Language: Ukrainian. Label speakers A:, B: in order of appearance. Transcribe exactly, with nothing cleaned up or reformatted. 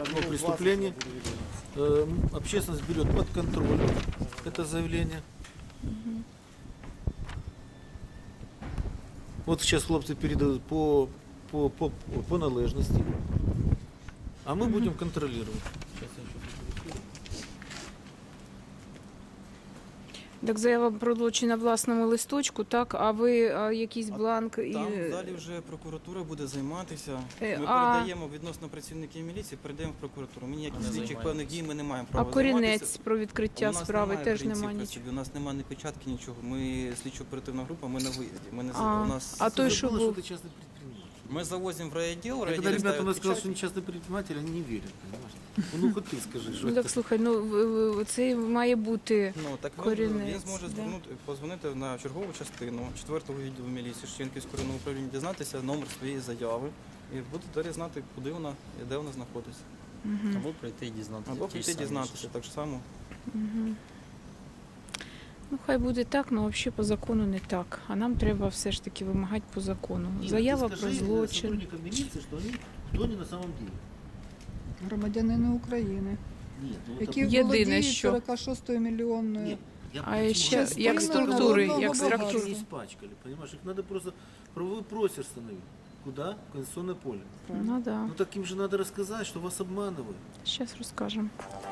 A: ну, преступление. Э, Общественность берет под контроль это заявление. Вот сейчас хлопцы передают по, по, по, по належности, а мы будем контролировать. Сейчас я еще фотографирую.
B: Так заява про злочин на власному листочку, так? А ви а, якийсь бланк і
C: Там далі вже прокуратура буде займатися.
B: Е,
C: Ми
B: а-
C: передаємо відносно працівників міліції, передаємо в прокуратуру. Ми ніяких слідчих
A: займаєтесь.
C: певних дій ми не маємо
B: а
C: права
B: корінець
C: займатися.
B: про
C: У
B: відкриття
C: нас
B: справи
C: немає
B: теж
C: корінців
B: немає
C: при
B: нічого.
C: собі, У нас немає ні печатки, нічого. Ми слідчо-оперативна група, ми на виїзді. Ми не
B: А,
C: у нас
B: а той,
A: Ты
B: що
A: забыла,
B: був?
A: ты частный предприниматель.
C: ми завозимо в райвідділ,
A: А когда
C: райвідділ
A: ребята у
C: ставить
A: нас сказали,
C: печать.
A: что не частный предприниматель, они не верят, понимаешь? Ну хоть ты скажи, что
B: Ну так слухай, ну в- в- це має бути.
C: Ну, так він,
B: Корінець,
C: він зможе
B: да.
C: звернути, позвонити на чергову частину четвертого відділу міліції Шевченківського районного управління, дізнатися номер своєї заяви і буде далі знати, куди вона і де вона знаходиться.
D: Або прийти і дізнатися.
C: Або
D: ті ж
C: прийти
D: самі
C: дізнатися
D: речі.
C: так само.
B: Ну хай буде так, але взагалі по закону не так. А нам треба все ж таки вимагати по закону.
A: Нет,
B: Заява
A: ты
B: про
A: скажи
B: злочин.
A: сотрудникам милиции, что они кто они на самом деле.
E: Громадянини України,
A: Нет, ну,
E: які
A: это-
B: Єдине,
E: володіють
B: що-
E: сорок шостою мільйонною.
A: Нет, я
B: А
A: почему
B: ще
A: говорю?
B: як
E: Частина
B: структури,
E: народного
B: як
E: багатства.
B: структури.
A: не испачкали, понимаешь? Их надо просто правовой просер становить. Куда? В конституционное поле.
B: Ну да.
A: Ну так им же надо рассказать, что вас обманывают.
B: Зараз розкажемо.